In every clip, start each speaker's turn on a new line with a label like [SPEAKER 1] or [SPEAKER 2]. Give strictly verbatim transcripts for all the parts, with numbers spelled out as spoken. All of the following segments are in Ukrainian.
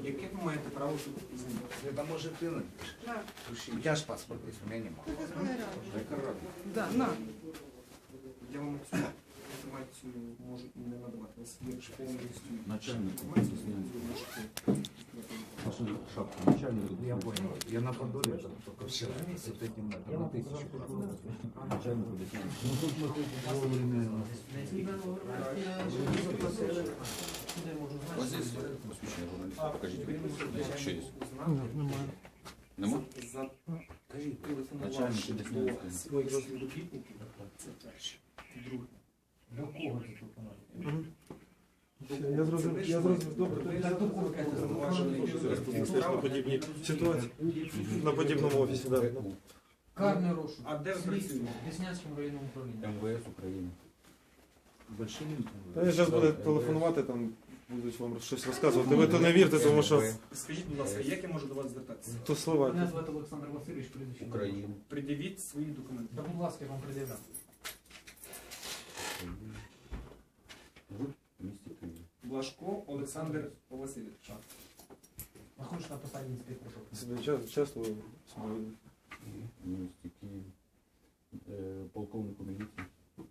[SPEAKER 1] яке ви маєте право тут знімати?
[SPEAKER 2] Это может ты напишешь.
[SPEAKER 3] На.
[SPEAKER 2] У тебя же паспорт есть, у меня нема.
[SPEAKER 3] Да, на.
[SPEAKER 1] Я вам цю інформацію можу і не надавати. У вас є повністю
[SPEAKER 4] Начальник.
[SPEAKER 1] інформацію, ви можете.
[SPEAKER 4] Шапка, начальник.
[SPEAKER 2] Я понял. Я на Подоле только вчера с вот этим на, на тысячу.
[SPEAKER 4] Начальник объясняет.
[SPEAKER 2] Ну тут мы хоть вовремя.
[SPEAKER 5] Ось здесь посвідчення журналіста. Покажіть. Що є? Нема?
[SPEAKER 1] За
[SPEAKER 2] Скажи,
[SPEAKER 1] телефонувавши
[SPEAKER 4] Начальник
[SPEAKER 1] до своїх співробітників, це перше. Друге.
[SPEAKER 6] До кого ти телефонуєш?
[SPEAKER 7] Я зрозумів, я зрозумів, добре.
[SPEAKER 6] Так до кого ти телефонуєш?
[SPEAKER 7] На подібній ситуації. На подібному офісі, так.
[SPEAKER 6] Карний розшук.
[SPEAKER 1] А де ви
[SPEAKER 6] Слідство.
[SPEAKER 1] працюєте?
[SPEAKER 6] В Деснянському районному управлінні.
[SPEAKER 4] Ем Вэ Ес України.
[SPEAKER 2] большими.
[SPEAKER 7] Та я зараз буде телефонувати, там будуть вам щось розказувати. Ви то не вірте, тому що
[SPEAKER 1] Скажіть, будь ласка, як я можу до вас звертатися?
[SPEAKER 7] то слова.
[SPEAKER 6] Мене звати Олександр Васильович, прізвище.
[SPEAKER 4] України.
[SPEAKER 1] Пред'явіть свої документи.
[SPEAKER 6] Та будь ласка, я вам пред'являю.
[SPEAKER 4] В місті Києві.
[SPEAKER 1] Блажко Олександр Васильович.
[SPEAKER 6] Знаходиш на посаді інспектора.
[SPEAKER 7] Себе час- часто ви себе видно.
[SPEAKER 4] В місті Києві. Е, Полковнику міліції.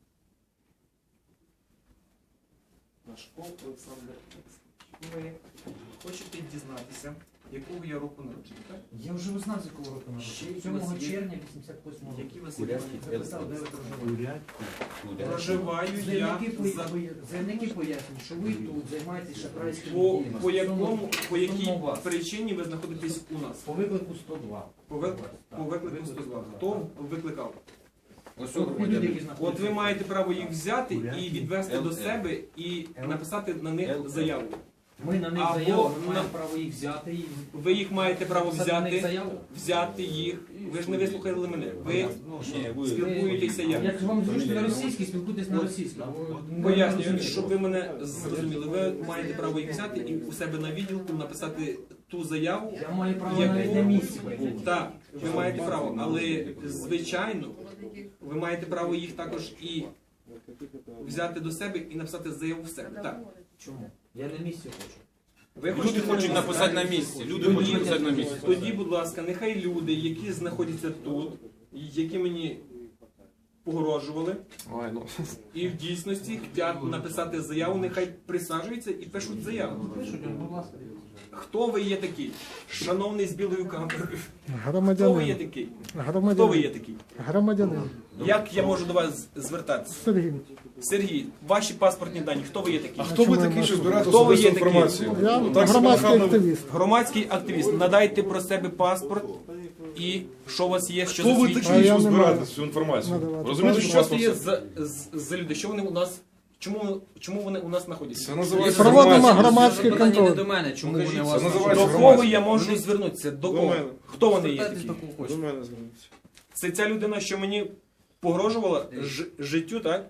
[SPEAKER 1] Блажко Олександр Олексійович. Ви хочете дізнатися, якого я року народження, так?
[SPEAKER 6] Я вже узнав, з якого року
[SPEAKER 1] Ще
[SPEAKER 6] народження.
[SPEAKER 1] які у
[SPEAKER 6] сьомого
[SPEAKER 1] вас є?
[SPEAKER 6] червня вісімдесят восьмого року.
[SPEAKER 1] Які у вас є
[SPEAKER 4] Курятський
[SPEAKER 1] документи?
[SPEAKER 6] Записав, де ви проживаєте.
[SPEAKER 1] Проживаю я
[SPEAKER 6] Заявники, по-
[SPEAKER 1] за...
[SPEAKER 6] заявники пояснюють, що ви тут займаєтесь шахрайськими
[SPEAKER 1] По,
[SPEAKER 6] діями.
[SPEAKER 1] по, якому, по якій
[SPEAKER 6] Стосовно вас.
[SPEAKER 1] причині ви знаходитесь у нас?
[SPEAKER 6] По виклику сто два.
[SPEAKER 1] По, вик...
[SPEAKER 6] Так,
[SPEAKER 1] по виклику сто два. Хто викликав?
[SPEAKER 5] Ось
[SPEAKER 6] От ті люди, які
[SPEAKER 5] громадянин.
[SPEAKER 6] знаходяться.
[SPEAKER 1] От ви маєте право їх взяти і відвести до себе і написати на них заяву.
[SPEAKER 6] Ми на них
[SPEAKER 1] Або
[SPEAKER 6] заяву, ми
[SPEAKER 1] на-
[SPEAKER 6] маємо право їх взяти і
[SPEAKER 1] Ви їх маєте право
[SPEAKER 6] написати на них
[SPEAKER 1] взяти,
[SPEAKER 6] заяву.
[SPEAKER 1] взяти їх. Ви ж не вислухали мене. Ви
[SPEAKER 4] Ні, ви...
[SPEAKER 1] спілкуєтеся як?
[SPEAKER 6] Як вам зручно на російській, спілкуйтесь на російській.
[SPEAKER 1] Пояснюю, щоб ви мене зрозуміли. Ви маєте право їх взяти і у себе на відділку написати ту заяву.
[SPEAKER 6] Я маю право
[SPEAKER 1] Яку-
[SPEAKER 6] навіть на місці.
[SPEAKER 1] Так, ви маєте право, але звичайно, ви маєте право їх також і взяти до себе і написати заяву в себе. Так.
[SPEAKER 6] Чому? Я на місці хочу.
[SPEAKER 1] Ви
[SPEAKER 5] Люди хочуть написати на місці. Люди
[SPEAKER 1] Тоді-
[SPEAKER 5] хочуть написати на місці.
[SPEAKER 1] Тоді, будь ласка, нехай люди, які знаходяться тут, які мені погрожували,
[SPEAKER 7] Ой, ну.
[SPEAKER 1] і в дійсності хочуть написати заяву, нехай присаджуються і пишуть заяву.
[SPEAKER 6] Пишуть, будь ласка.
[SPEAKER 1] Хто ви є такий? Шановний з білою камерою. Хто ви є
[SPEAKER 8] Громадянин.
[SPEAKER 1] такий? Хто ви
[SPEAKER 8] Громадянин.
[SPEAKER 1] є такий?
[SPEAKER 8] Громадянин.
[SPEAKER 1] Як я можу до вас звертатися?
[SPEAKER 8] Сергій.
[SPEAKER 1] Сергій, ваші паспортні дані, хто ви є такий?
[SPEAKER 7] Хто ви такий, що збирати
[SPEAKER 1] Хто ви
[SPEAKER 7] особисту
[SPEAKER 1] є такий?
[SPEAKER 7] інформацію?
[SPEAKER 8] Я
[SPEAKER 7] Так себе
[SPEAKER 8] громадський
[SPEAKER 7] нахабно-
[SPEAKER 8] активіст.
[SPEAKER 1] Громадський активіст, надайте про себе паспорт і що у вас є, що
[SPEAKER 7] Хто ви
[SPEAKER 1] засвідчує.
[SPEAKER 7] такі,
[SPEAKER 8] А я
[SPEAKER 7] що
[SPEAKER 8] не
[SPEAKER 7] збирати
[SPEAKER 8] маю
[SPEAKER 7] цю інформацію?
[SPEAKER 8] надавати.
[SPEAKER 7] Розумієте,
[SPEAKER 1] Що
[SPEAKER 7] що
[SPEAKER 1] це
[SPEAKER 7] вас
[SPEAKER 1] є
[SPEAKER 7] це?
[SPEAKER 1] за, за, за люди? Що вони у нас? Чому, чому вони у нас знаходяться?
[SPEAKER 7] Це називається
[SPEAKER 8] Проводимо
[SPEAKER 7] громадськість.
[SPEAKER 8] громадський
[SPEAKER 5] Питання не
[SPEAKER 8] контроль.
[SPEAKER 5] до мене, чому
[SPEAKER 1] Покажіть,
[SPEAKER 5] вони
[SPEAKER 7] це
[SPEAKER 5] вас...
[SPEAKER 7] називається
[SPEAKER 1] До
[SPEAKER 7] громадськість.
[SPEAKER 1] кого я можу звернутися? До
[SPEAKER 7] До
[SPEAKER 1] кого?
[SPEAKER 7] мене.
[SPEAKER 1] Хто вони є
[SPEAKER 5] Звертайтесь
[SPEAKER 1] такі?
[SPEAKER 5] до кого
[SPEAKER 7] До
[SPEAKER 5] хочете.
[SPEAKER 7] мене зверніться.
[SPEAKER 1] Це ця людина, що мені погрожувала ж, життю, так?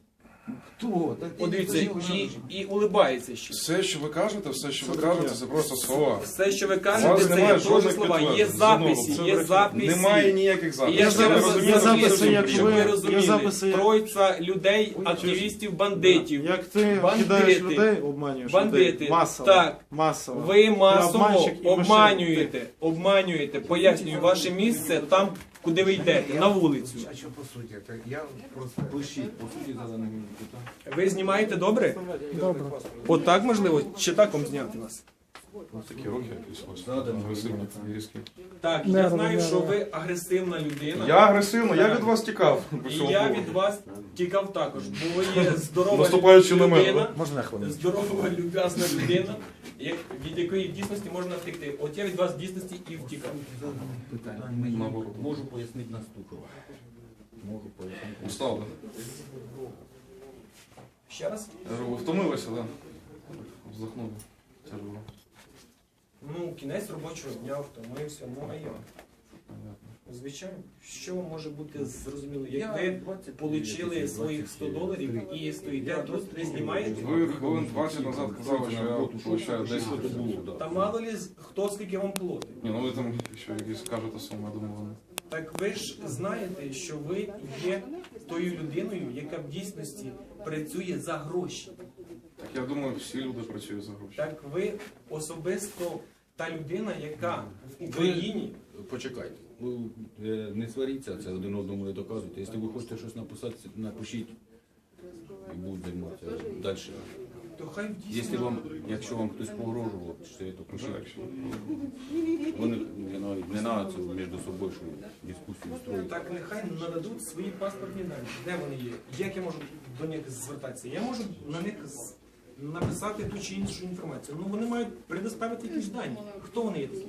[SPEAKER 5] Хто?
[SPEAKER 1] Подивіться, і, і улибається ще.
[SPEAKER 7] Все, що ви кажете, все, що ви кажете, це просто слова.
[SPEAKER 1] Все, що ви
[SPEAKER 7] У
[SPEAKER 1] кажете,
[SPEAKER 7] вас
[SPEAKER 1] це
[SPEAKER 7] немає
[SPEAKER 1] є теж
[SPEAKER 7] жодних
[SPEAKER 1] слова. Є
[SPEAKER 7] підтверджень.
[SPEAKER 1] записи,
[SPEAKER 7] Знову,
[SPEAKER 1] є
[SPEAKER 7] це
[SPEAKER 1] записи.
[SPEAKER 7] Немає ніяких
[SPEAKER 1] І
[SPEAKER 7] записів.
[SPEAKER 1] я
[SPEAKER 7] Ви
[SPEAKER 1] ще раз
[SPEAKER 7] розумієте,
[SPEAKER 1] є записи,
[SPEAKER 7] що
[SPEAKER 1] як
[SPEAKER 7] ви
[SPEAKER 1] щоб ви
[SPEAKER 7] робите?
[SPEAKER 1] розуміли.
[SPEAKER 7] записи, як-
[SPEAKER 1] Троїця людей, активістів, бандитів.
[SPEAKER 7] Як ти
[SPEAKER 1] Бандити.
[SPEAKER 7] кидаєш людей, обманюєш
[SPEAKER 1] Бандити.
[SPEAKER 7] людей. Масово.
[SPEAKER 1] Так.
[SPEAKER 7] Масово.
[SPEAKER 1] Ви масово
[SPEAKER 7] обманщик і
[SPEAKER 1] обманюєте, обманюєте, пояснюю, ваше місце там, куди ви йдете, на вулицю.
[SPEAKER 2] А что по сути? Это я просто...
[SPEAKER 4] Пишіть, по суті, заданих питань.
[SPEAKER 1] Ви знімаєте добре?
[SPEAKER 8] Добре.
[SPEAKER 1] Отак можливо? Чи так вам зняти нас?
[SPEAKER 7] Такі роки якісь ось.
[SPEAKER 4] Задані.
[SPEAKER 7] Агресивні і різкі.
[SPEAKER 1] Так,
[SPEAKER 8] Не
[SPEAKER 1] я знаю,
[SPEAKER 8] розумію.
[SPEAKER 1] що ви агресивна людина.
[SPEAKER 7] Я агресивно, я від вас тікав. по
[SPEAKER 1] І
[SPEAKER 7] цьому
[SPEAKER 1] я
[SPEAKER 7] поводу.
[SPEAKER 1] від вас тікав також, бо ви є здорова
[SPEAKER 7] Наступаючи на мене,
[SPEAKER 1] людина,
[SPEAKER 2] Можно хвилину?
[SPEAKER 1] здорова, люб'язна людина, як- від якої в дійсності можна втекти. От я від вас в дійсності і втікав.
[SPEAKER 4] Питання.
[SPEAKER 7] Наоборот.
[SPEAKER 4] Можу пояснити наступне. Можу пояснити.
[SPEAKER 7] Устали.
[SPEAKER 1] Ще раз?
[SPEAKER 7] Я говорю, ви втомилися, так? Да? Вздохнули. Тяжело.
[SPEAKER 1] Ну, кінець робочого дня, втомився, ну а як? Звичайно, що може бути зрозуміло, як ви отримали своїх сто доларів і стоїте тут, не знімаєте?
[SPEAKER 7] Ви хвилин двадцять назад казали, що я получаю десять.
[SPEAKER 1] Та мало ли хто скільки вам платить.
[SPEAKER 7] Ні, ну ви там ще якісь кажете суми, я думаю, вони.
[SPEAKER 1] Так ви ж знаєте, що ви є тою людиною, яка в дійсності працює за гроші.
[SPEAKER 8] Я думаю, всі люди працюють за гроші.
[SPEAKER 1] Так ви особисто та людина, яка в Україні.
[SPEAKER 4] Почекайте. Ви е, не сваріться, це один одному не доказуйте. Якщо ви хочете щось написати, напишіть і будуть займатися далі.
[SPEAKER 1] То хай
[SPEAKER 4] Якщо
[SPEAKER 1] дійсно.
[SPEAKER 4] вам, якщо вам хтось погрожував, що то пишіть.
[SPEAKER 8] Так, що-
[SPEAKER 4] Вони не, на- не треба це між собою, що дискусію строїти.
[SPEAKER 1] Так нехай нададуть свої паспортні дані. Де вони є? Як я можу до них звертатися? Я можу на них з- написати ту чи іншу інформацію. Ну вони мають предоставити якісь дані. Хто вони є такі?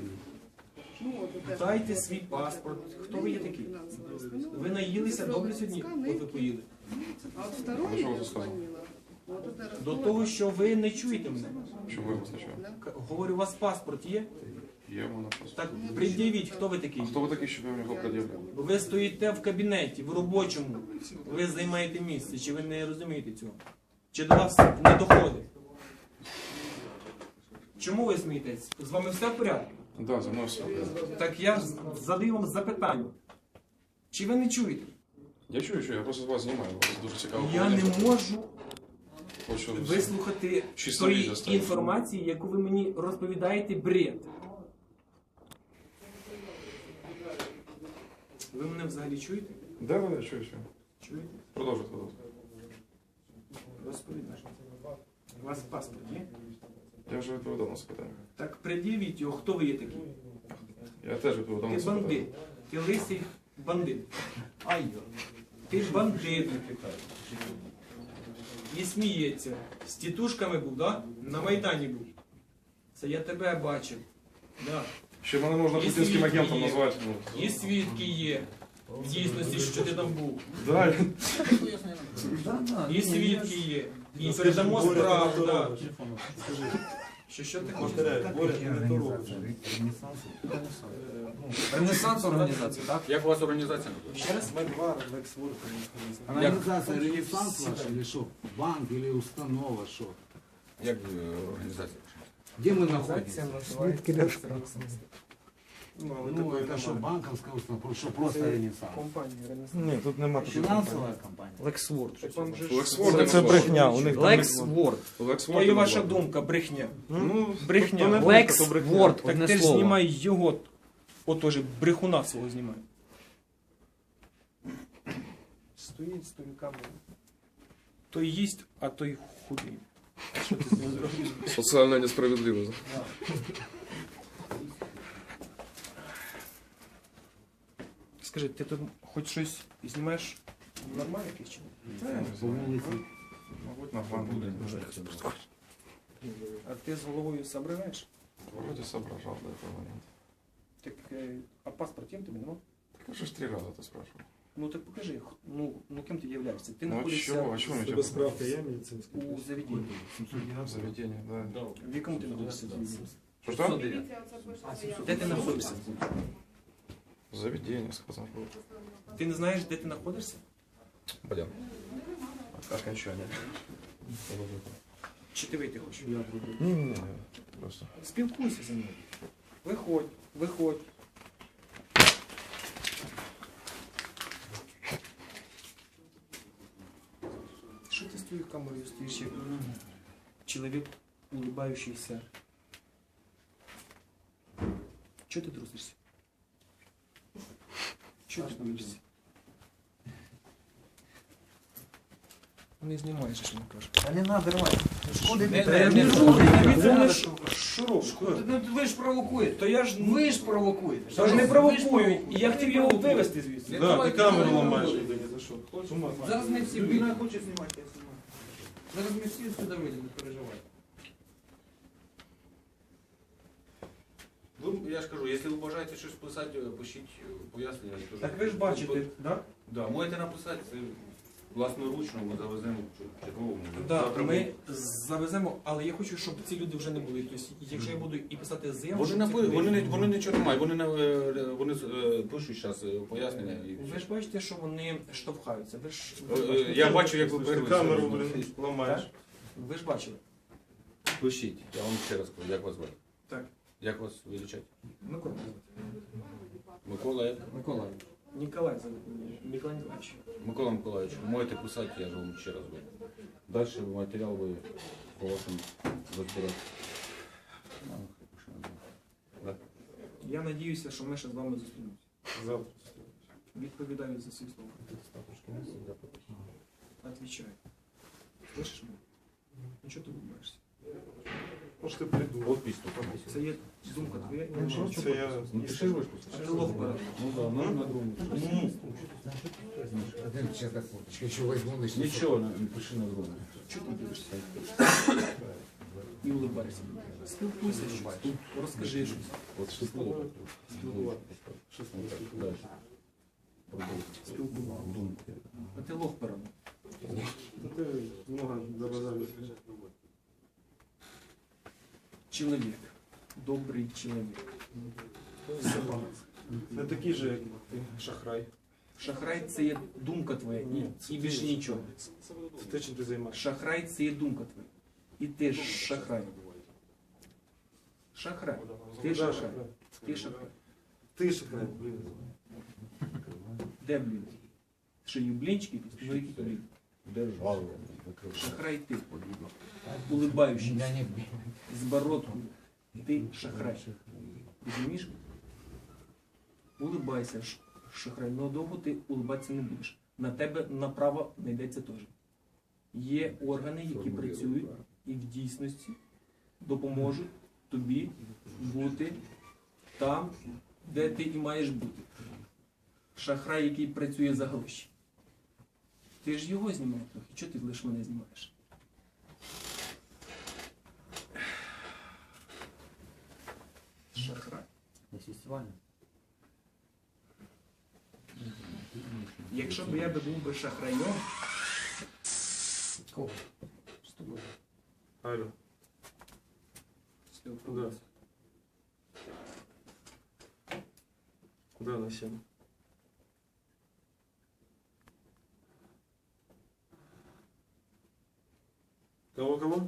[SPEAKER 1] Дайте свій паспорт. Хто ви є такі? Ви наїлися добре сьогодні, от ви поїли.
[SPEAKER 3] А вот второе
[SPEAKER 8] Ну, что
[SPEAKER 3] я
[SPEAKER 8] вы сказали?
[SPEAKER 3] звонила. Вот это
[SPEAKER 1] До того, що ви не чуєте мене.
[SPEAKER 8] Чому ви визначаєте?
[SPEAKER 1] К- Говорю, у вас паспорт є?
[SPEAKER 8] Є в мене просто.
[SPEAKER 1] Так пред'явіть, хто ви такий.
[SPEAKER 8] А хто ви такий, щоб я в нього пред'являв?
[SPEAKER 1] Ви стоїте в кабінеті, в робочому, ви займаєте місце, чи ви не розумієте цього? Чи до вас не доходить? Чому ви смієтесь? З вами все в порядку?
[SPEAKER 8] Так, да, за мною все.
[SPEAKER 1] Так я ж задаю вам запитання. Чи ви не чуєте?
[SPEAKER 8] Я чую, що я просто вас знімаю, у вас дуже цікаво.
[SPEAKER 1] Я не можу
[SPEAKER 8] Хочу
[SPEAKER 1] вислухати
[SPEAKER 8] Чисто
[SPEAKER 1] тої
[SPEAKER 8] відео ставити.
[SPEAKER 1] інформації, яку ви мені розповідаєте бред. Ви мене взагалі чуєте?
[SPEAKER 8] Да, да, я чую, чую.
[SPEAKER 1] Чуєте?
[SPEAKER 8] Продовжуйте, продовжуйте.
[SPEAKER 1] Розповідайте. У вас паспорт є?
[SPEAKER 8] Я вже відповідав на це питання.
[SPEAKER 1] Так пред'явіть його, хто ви є такий?
[SPEAKER 8] Я теж відповідав на
[SPEAKER 1] Ти
[SPEAKER 8] це питання.
[SPEAKER 1] бандит. Ти лисий бандит. Ти бандит. І сміється. З тітушками був, да? На Майдані був. Це я тебе бачив. Да.
[SPEAKER 8] Ще мене можна
[SPEAKER 1] І
[SPEAKER 8] путінським
[SPEAKER 1] свідки
[SPEAKER 8] агентом
[SPEAKER 1] є.
[SPEAKER 8] назвати. Ну.
[SPEAKER 1] І свідки є. В дійсності, що ти там був.
[SPEAKER 8] Да,
[SPEAKER 1] І свідки є. І передамо справу. Да. Що, що ти хочеш?
[SPEAKER 2] Ренессанс організація, так?
[SPEAKER 4] Як у вас організація?
[SPEAKER 1] Ще раз?
[SPEAKER 2] Організація Ренессанс ваша, или що? Банк, или установа, що?
[SPEAKER 4] Як е, організація?
[SPEAKER 2] Де ми знаходимося?
[SPEAKER 1] Ну, але
[SPEAKER 2] Ну,
[SPEAKER 1] такої
[SPEAKER 2] это что,
[SPEAKER 1] немає.
[SPEAKER 2] банковская установа, что просто Ренессанс?
[SPEAKER 1] Компанія Ренессанс.
[SPEAKER 7] Ні, тут нема такого.
[SPEAKER 2] Финансовая компания?
[SPEAKER 6] Лексворд.
[SPEAKER 1] Так вам же ж-
[SPEAKER 8] Лексворд
[SPEAKER 7] Це, це брехня. У них там не-
[SPEAKER 6] Лексворд.
[SPEAKER 1] То і ваша думка, брехня.
[SPEAKER 8] Ну,
[SPEAKER 1] Брехня.
[SPEAKER 7] то не думка,
[SPEAKER 6] Лекс
[SPEAKER 7] то брехня.
[SPEAKER 6] Ворд,
[SPEAKER 1] Так
[SPEAKER 6] одне
[SPEAKER 1] ти ж
[SPEAKER 6] слово.
[SPEAKER 1] знімай його, отож, брехуна свого знімай. Стоїть з тою камерою. Той їсть, а той худий. Що ти з ним зробив?
[SPEAKER 8] Соціальна несправедливість.
[SPEAKER 1] Скажи, ти тут хоч щось знімаєш нормально якесь чи ні?
[SPEAKER 2] По вулиці.
[SPEAKER 8] Мабуть, на банк буде.
[SPEAKER 1] А ти з головою соображаєш?
[SPEAKER 8] Вроде соображал до этого момента.
[SPEAKER 1] Так, е, а паспорт є в тебе, нема?
[SPEAKER 8] Так я же ж три раза это спрашивал.
[SPEAKER 1] Ну так покажи, х- ну, ну ким ти являєшся? Ти
[SPEAKER 8] Ну а
[SPEAKER 1] знаходишся
[SPEAKER 8] чего? А чего мне
[SPEAKER 7] Тебе справка є медицинська?
[SPEAKER 1] у заведенні.
[SPEAKER 8] В заведении, да.
[SPEAKER 1] В якому ти знаходишся заведенні?
[SPEAKER 8] Что, что?
[SPEAKER 1] Де ти знаходишся?
[SPEAKER 8] В заведении, сказал.
[SPEAKER 1] Ти не знаєш, де ти знаходишся?
[SPEAKER 4] Пойдем.
[SPEAKER 8] Окончание.
[SPEAKER 1] Чи ти вийти хочеш?
[SPEAKER 7] Ні, ні, ні.
[SPEAKER 8] Просто.
[SPEAKER 1] Спілкуйся зі мною. Виходь, виходь. Що ти з твоєю камерою стоїш, як чоловік, улыбающийся? Чого ти трусишся? Чого ти боїшся? Не знімаєш, що не кажеш.
[SPEAKER 2] Та не надо рвати. Шкоди
[SPEAKER 1] Не,
[SPEAKER 2] треба.
[SPEAKER 1] не,
[SPEAKER 2] Не
[SPEAKER 1] не,
[SPEAKER 2] рухай,
[SPEAKER 1] не,
[SPEAKER 2] не
[SPEAKER 1] не,
[SPEAKER 2] надо.
[SPEAKER 1] Шуруп,
[SPEAKER 2] Ну, Ви ж провокуєте.
[SPEAKER 1] то я ж
[SPEAKER 2] Ви ж провокуєте.
[SPEAKER 1] Тож не провокую, і я хотів його вивезти звідси.
[SPEAKER 7] Да, ти камеру ламаєш людині, за що? З ума з'їхав.
[SPEAKER 6] Зараз ми всі вийдемо. Хоче знімати, я знімаю. Зараз ми всі сюди вийдемо, не переживай.
[SPEAKER 4] Ви, я ж кажу, якщо ви бажаєте щось писати, пишіть пояснення. я кажу.
[SPEAKER 1] Так ви ж бачите, так?
[SPEAKER 4] Да, можете написати, це власноручно, ми завеземо черговому.
[SPEAKER 1] Да,
[SPEAKER 4] Завтра
[SPEAKER 1] ми завеземо, але я хочу, щоб ці люди вже не були. Тобто, якщо я буду і писати заяву,
[SPEAKER 4] Вони,
[SPEAKER 1] щоб
[SPEAKER 4] не,
[SPEAKER 1] цих
[SPEAKER 4] вони,
[SPEAKER 1] людей
[SPEAKER 4] не,
[SPEAKER 1] не
[SPEAKER 4] вони
[SPEAKER 1] було.
[SPEAKER 4] нічого не мають, вони, не, е, вони е, пишуть зараз пояснення. І
[SPEAKER 1] Ви
[SPEAKER 4] все.
[SPEAKER 1] ж бачите, що вони штовхаються. Ви ж
[SPEAKER 4] Е, е, Я бачу, як ви
[SPEAKER 7] Ти
[SPEAKER 4] перли.
[SPEAKER 7] камеру, блін, ламаєш.
[SPEAKER 1] ви ж бачили.
[SPEAKER 4] Пишіть, я вам ще раз кажу, як вас звати?
[SPEAKER 1] Так.
[SPEAKER 4] Як вас величать?
[SPEAKER 1] Микола.
[SPEAKER 4] Микола, як?
[SPEAKER 6] Микола.
[SPEAKER 1] Ніколай зовут мене. Микола Ніколаєвич.
[SPEAKER 4] Микола Миколаївич, можете писати, я ж вам ще раз говорю. Далі матеріал ви по вашому розбирати.
[SPEAKER 1] Я надіюся, що ми ще з вами зустрінемося.
[SPEAKER 7] Завтра.
[SPEAKER 1] Відповідаю за свої слова. Отвечаю. Слышиш мене? Ну чого ти улыбаєшся?
[SPEAKER 7] Може ти придумав.
[SPEAKER 4] От пісту.
[SPEAKER 1] Це є думка твоя.
[SPEAKER 7] Ну, що це я...
[SPEAKER 4] Ну пиши ручку.
[SPEAKER 1] А ти лох береш.
[SPEAKER 4] Ну так, ну на другому.
[SPEAKER 2] Один сейчас так фоточка еще возьму, начну.
[SPEAKER 4] Нічого, не пиши на другому.
[SPEAKER 1] Чого ти дивишся? І улыбайся. Спілкуйся щось. Розкажи щось.
[SPEAKER 4] От шестого. Далі. Продовжуй.
[SPEAKER 1] Спілкуйся.
[SPEAKER 4] Думки.
[SPEAKER 1] А ти лох береш.
[SPEAKER 7] Ну, ти много забазарив.
[SPEAKER 1] Чоловік. Добрий чоловік. Все погано.
[SPEAKER 7] Не такий же, як ти, шахрай.
[SPEAKER 1] Шахрай це є думка твоя і, і більше нічого.
[SPEAKER 7] Це те, чим ти займаєшся.
[SPEAKER 1] Шахрай це є думка твоя. І ти ж шахрай. Шахрай. Ти
[SPEAKER 7] Да,
[SPEAKER 1] шахрай. Ти шахрай.
[SPEAKER 7] Ти шахрай, блін.
[SPEAKER 1] Де блін? Що їв блінчики? Ну які блін?
[SPEAKER 4] Держава.
[SPEAKER 1] Шахрай ти. Улыбаючись.
[SPEAKER 2] Меня не
[SPEAKER 1] З бородкою. Ти шахрай. Розумієш? Улыбайся, ш- шахрай. Ну довго ти улыбатися не будеш. На тебе направо не йдеться теж. Є органи, які працюють і в дійсності допоможуть тобі бути там, де ти і маєш бути. Шахрай, який працює за гроші. Ти ж його знімав трохи. Чого ти лише мене знімаєш? Шахрай. Якщо б я би був би шахраєм,
[SPEAKER 7] Алло. Куда? Куда на сену? Кого, кого?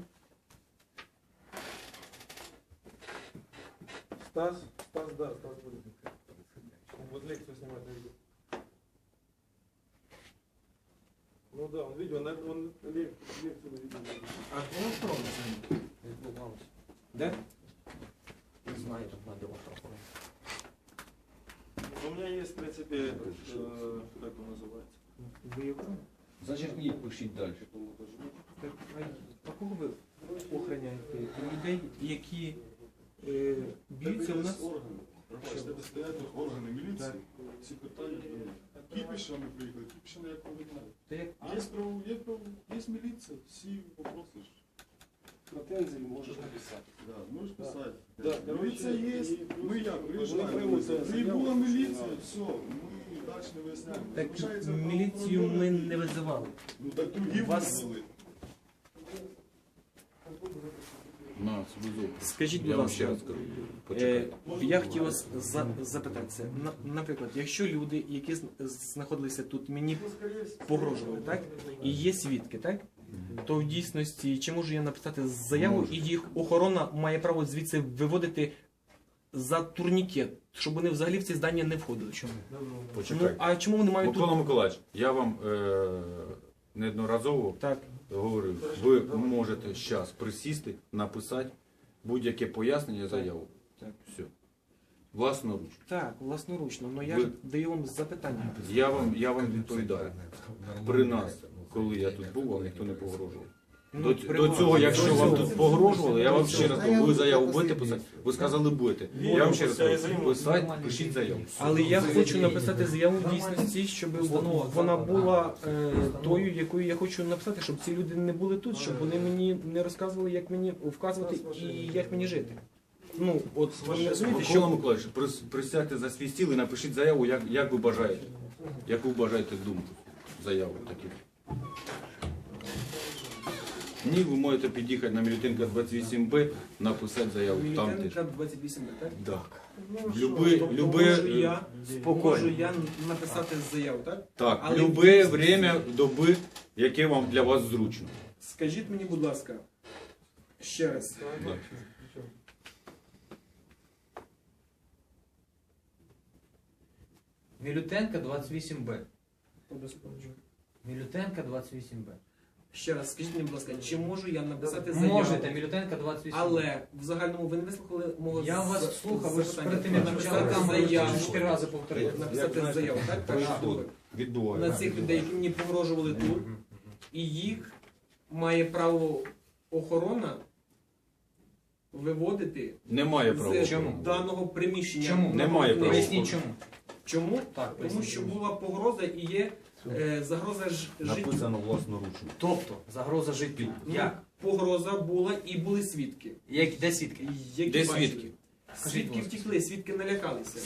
[SPEAKER 7] Стас? Стас, да, Стас будет. Он будет лекцию снимать на видео. Ну да, он видео, он, он лек- лекцию на видео.
[SPEAKER 1] а кого сторону займає? Де?
[SPEAKER 8] Не знаю, тут надо вот такое.
[SPEAKER 7] У меня есть, в принципе, этот, э, как он называется?
[SPEAKER 1] Ви його?
[SPEAKER 4] Зачеркніть, пишіть далі.
[SPEAKER 1] Так, а кого ви охороняєте? Людей, які е, б'ються у нас?
[SPEAKER 9] Це стоять органи міліції, ці питання. Кіпішами приїхали, кіпішами як повідомляють.
[SPEAKER 1] Та як
[SPEAKER 9] Є право, є право, є міліція, всі вопроси ж.
[SPEAKER 7] Претензии можешь написать.
[SPEAKER 9] Да, можеш писати.
[SPEAKER 7] Да,
[SPEAKER 9] Міліція є, ми як,
[SPEAKER 7] Вони
[SPEAKER 9] приїжджаємо.
[SPEAKER 7] приймуть це
[SPEAKER 9] Прибула
[SPEAKER 7] заяву.
[SPEAKER 9] міліція, все, ми далі не виясняємо.
[SPEAKER 1] так
[SPEAKER 9] Залишається
[SPEAKER 1] міліцію ми
[SPEAKER 9] правоохоронні.
[SPEAKER 1] не визивали.
[SPEAKER 9] Ну так другі
[SPEAKER 1] Вас-
[SPEAKER 9] визвали.
[SPEAKER 4] На, свою.
[SPEAKER 1] Скажіть, будь
[SPEAKER 4] Я вам
[SPEAKER 1] ласка,
[SPEAKER 4] ще раз кажу.
[SPEAKER 1] Е,
[SPEAKER 4] Почекайте.
[SPEAKER 1] я хотів вас за, запитатися. На- Наприклад, якщо люди, які зн- знаходилися тут, мені погрожували, так? І є свідки, так? То в дійсності, чи можу я написати заяву, і їх охорона має право звідси виводити за турнікет, щоб вони взагалі в ці здання не входили. Чому? Ну,
[SPEAKER 4] Почекайте.
[SPEAKER 1] а чому вони мають
[SPEAKER 4] Микола
[SPEAKER 1] тут?
[SPEAKER 4] Миколаївич, я вам е- неодноразово
[SPEAKER 1] Так.
[SPEAKER 4] говорив, ви можете зараз присісти, написати будь-яке пояснення, заяву.
[SPEAKER 1] Так.
[SPEAKER 4] Все. Власноруч.
[SPEAKER 1] Так, власноручно, але я
[SPEAKER 4] Ви-
[SPEAKER 1] ж даю вам запитання.
[SPEAKER 4] Я вам, я вам відповідаю. При нас, коли я тут був, вам ніхто не погрожував.
[SPEAKER 1] Ну,
[SPEAKER 4] До,
[SPEAKER 1] при
[SPEAKER 4] до
[SPEAKER 1] вас.
[SPEAKER 4] цього, якщо
[SPEAKER 1] До
[SPEAKER 4] вам
[SPEAKER 1] цього.
[SPEAKER 4] тут погрожували, я вам ще раз кажу, ви заяву будете
[SPEAKER 2] Послідній.
[SPEAKER 4] писати? Ви сказали будете. Я вам ще раз кажу, писати, пишіть заяву.
[SPEAKER 1] Але я хочу написати заяву в дійсності, щоб вона була е, тою, якою я хочу написати, щоб ці люди не були тут, щоб вони мені не розказували, як мені вказувати і як мені жити. Ну, от ви не розумієте,
[SPEAKER 4] Микола
[SPEAKER 1] що
[SPEAKER 4] Миколаївич, прис- присядьте за свій стіл і напишіть заяву, як, як ви бажаєте. Яку бажаєте думку. Заяву таку. Ні, ви можете під'їхати на Мілютинка двадцять вісім Б, написати заяву. Там теж.
[SPEAKER 1] Мілітенка двадцять вісім, так?
[SPEAKER 4] Так.
[SPEAKER 1] Ну,
[SPEAKER 4] Люби,
[SPEAKER 1] Тобто
[SPEAKER 4] люби,
[SPEAKER 1] можу я,
[SPEAKER 4] спокійно.
[SPEAKER 1] можу я написати заяву, так?
[SPEAKER 4] Так,
[SPEAKER 1] Але
[SPEAKER 4] любе
[SPEAKER 1] в-
[SPEAKER 4] время доби, яке вам для вас зручно.
[SPEAKER 1] Скажіть мені, будь ласка, ще раз.
[SPEAKER 4] Да.
[SPEAKER 6] Мілютенка двадцять вісім Б. Мілютенка двадцять вісім Б.
[SPEAKER 1] Ще раз, скажіть мені, будь ласка, чи можу я написати заяву?
[SPEAKER 6] Можете, Мілютенка двадцять вісім.
[SPEAKER 1] Але в загальному ви не вислухали мого
[SPEAKER 6] Я
[SPEAKER 1] з-
[SPEAKER 6] вас слухав, ви ж
[SPEAKER 1] запитання.
[SPEAKER 6] перед тим як
[SPEAKER 1] Написати
[SPEAKER 6] почали камеру
[SPEAKER 1] заяву,
[SPEAKER 6] чотири рази повторили.
[SPEAKER 1] написати заяву, так? Перше, друге.
[SPEAKER 4] Відбуває.
[SPEAKER 1] На цих людей, які мені погрожували тут, і їх має право охорона виводити
[SPEAKER 4] Немає права.
[SPEAKER 1] з
[SPEAKER 6] Чому?
[SPEAKER 1] даного приміщення.
[SPEAKER 6] Чому?
[SPEAKER 4] Немає права.
[SPEAKER 6] Поясніть чому.
[SPEAKER 1] Чому?
[SPEAKER 6] Так,
[SPEAKER 1] Тому
[SPEAKER 6] поясніть
[SPEAKER 1] що
[SPEAKER 6] чому.
[SPEAKER 1] була погроза і є е, загроза ж життю.
[SPEAKER 4] Написано власноручно.
[SPEAKER 6] Тобто, загроза життю.
[SPEAKER 1] Ну,
[SPEAKER 6] Як?
[SPEAKER 1] Погроза була і були свідки.
[SPEAKER 6] Як? Де свідки?
[SPEAKER 1] Які
[SPEAKER 4] Де
[SPEAKER 1] бачили.
[SPEAKER 4] свідки?
[SPEAKER 6] Скажіть,
[SPEAKER 1] Свідки
[SPEAKER 6] будь ласка.
[SPEAKER 1] втекли, свідки налякалися.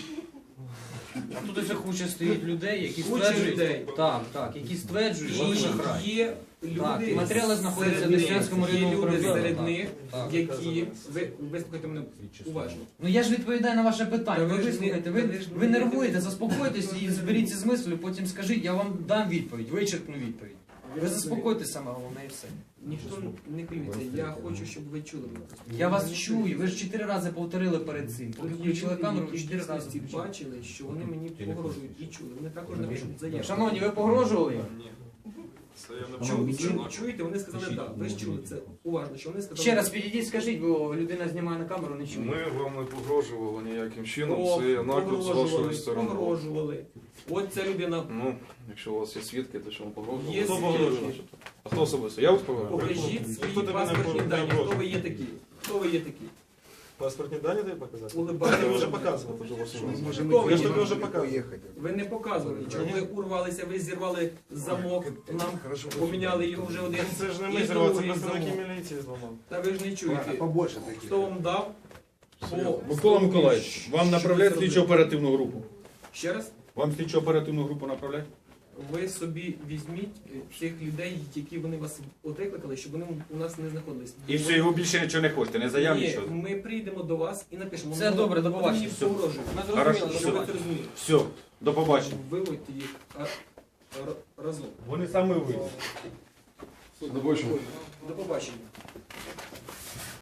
[SPEAKER 6] А тут ось куча стоїть людей, які
[SPEAKER 1] Куча
[SPEAKER 6] стверджують,
[SPEAKER 1] людей.
[SPEAKER 6] так, так, які стверджують, що ви шахрай.
[SPEAKER 1] І є люди,
[SPEAKER 6] Так, і матеріали знаходяться
[SPEAKER 1] серед
[SPEAKER 6] в
[SPEAKER 1] них,
[SPEAKER 6] Деснянському
[SPEAKER 1] є
[SPEAKER 6] районному
[SPEAKER 1] люди
[SPEAKER 6] управлінні.
[SPEAKER 1] серед
[SPEAKER 6] Так,
[SPEAKER 1] них,
[SPEAKER 6] так.
[SPEAKER 1] які, ви вислухайте мене уважно.
[SPEAKER 6] Ну я ж відповідаю на ваше питання.
[SPEAKER 1] Та
[SPEAKER 6] Ви
[SPEAKER 1] ви ж
[SPEAKER 6] вислухайте,
[SPEAKER 1] не-
[SPEAKER 6] ви,
[SPEAKER 1] та ви ж
[SPEAKER 6] ви
[SPEAKER 1] не-
[SPEAKER 6] нервуєте, заспокойтесь і зберіться з мислю, потім скажіть, я вам дам відповідь, вичерпну відповідь. Ви заспокойтесь саме головне і все.
[SPEAKER 1] Ніхто не хвилюється. Я хочу, щоб ви чули мене.
[SPEAKER 6] Я вас чую, ви ж чотири рази повторили перед цим.
[SPEAKER 1] Тут
[SPEAKER 6] Поки
[SPEAKER 1] є
[SPEAKER 6] включили
[SPEAKER 1] люди,
[SPEAKER 6] камеру,
[SPEAKER 1] які
[SPEAKER 6] ви
[SPEAKER 1] в
[SPEAKER 6] чотири рази
[SPEAKER 1] дійсності
[SPEAKER 6] включили.
[SPEAKER 1] бачили, що вони мені погрожують і чули. Вони також напишуть заяву.
[SPEAKER 6] Шановні, ви погрожували їм?
[SPEAKER 9] Це я не
[SPEAKER 1] Чу-
[SPEAKER 9] чув.
[SPEAKER 1] чу- Чуєте, вони сказали так. Ви ж чули це уважно, що вони сказали.
[SPEAKER 6] Ще раз підійдіть, скажіть, бо людина знімає на камеру, не чує.
[SPEAKER 10] Ми вам не погрожували ніяким чином,
[SPEAKER 1] О,
[SPEAKER 10] це наклеп з вашої
[SPEAKER 1] погрожували,
[SPEAKER 10] сторони.
[SPEAKER 1] погрожували. От ця людина.
[SPEAKER 10] Ну, якщо у вас є свідки, то що вам погрожували?
[SPEAKER 1] Є
[SPEAKER 10] Хто
[SPEAKER 1] свідки.
[SPEAKER 10] погрожував? А хто особисто? Я вас погрожував?
[SPEAKER 1] Покажіть свої
[SPEAKER 7] Хто тебе не
[SPEAKER 1] паспортні
[SPEAKER 7] погрожує?
[SPEAKER 1] дані. Хто ви є такі? Хто ви є такі?
[SPEAKER 7] Паспортні дані тобі показати? Я
[SPEAKER 1] Улибайтеся.
[SPEAKER 7] тобі вже показував.
[SPEAKER 1] Хто ви
[SPEAKER 7] Я ж тобі
[SPEAKER 1] є?
[SPEAKER 7] вже показував.
[SPEAKER 1] Ви не показували нічого. Ви урвалися, ви зірвали замок, нам поміняли його вже один.
[SPEAKER 7] Це ж не
[SPEAKER 1] і
[SPEAKER 7] ми зірвали, це
[SPEAKER 1] другий
[SPEAKER 7] представники
[SPEAKER 1] замок.
[SPEAKER 7] міліції зламали.
[SPEAKER 1] Та ви ж не чуєте.
[SPEAKER 2] Побольше таких.
[SPEAKER 1] Хто вам дав? По-
[SPEAKER 4] Микола Миколаївич, вам
[SPEAKER 1] Що
[SPEAKER 4] направляють
[SPEAKER 1] ви
[SPEAKER 4] слідчо
[SPEAKER 1] зробили?
[SPEAKER 4] оперативну групу.
[SPEAKER 1] Ще раз?
[SPEAKER 4] Вам слідчо оперативну групу направляють?
[SPEAKER 1] Ви собі візьміть е, цих людей, які вони вас от викликали, щоб вони у нас не знаходились.
[SPEAKER 4] І все, його більше нічого не хочете, не заяв,
[SPEAKER 1] Ні,
[SPEAKER 4] нічого.
[SPEAKER 1] ми прийдемо до вас і напишемо.
[SPEAKER 6] Все
[SPEAKER 1] Ну,
[SPEAKER 6] добре, до
[SPEAKER 1] вони
[SPEAKER 6] побачення.
[SPEAKER 1] мені
[SPEAKER 4] Все.
[SPEAKER 1] погрожують.
[SPEAKER 6] Ми
[SPEAKER 4] Хорошо,
[SPEAKER 6] зрозуміли,
[SPEAKER 1] Щоб ви
[SPEAKER 4] все.
[SPEAKER 1] це розуміли.
[SPEAKER 4] Все, до побачення.
[SPEAKER 1] Виводьте їх а, р- разом.
[SPEAKER 4] Вони саме вийдуть.
[SPEAKER 10] До побачення.
[SPEAKER 1] До побачення.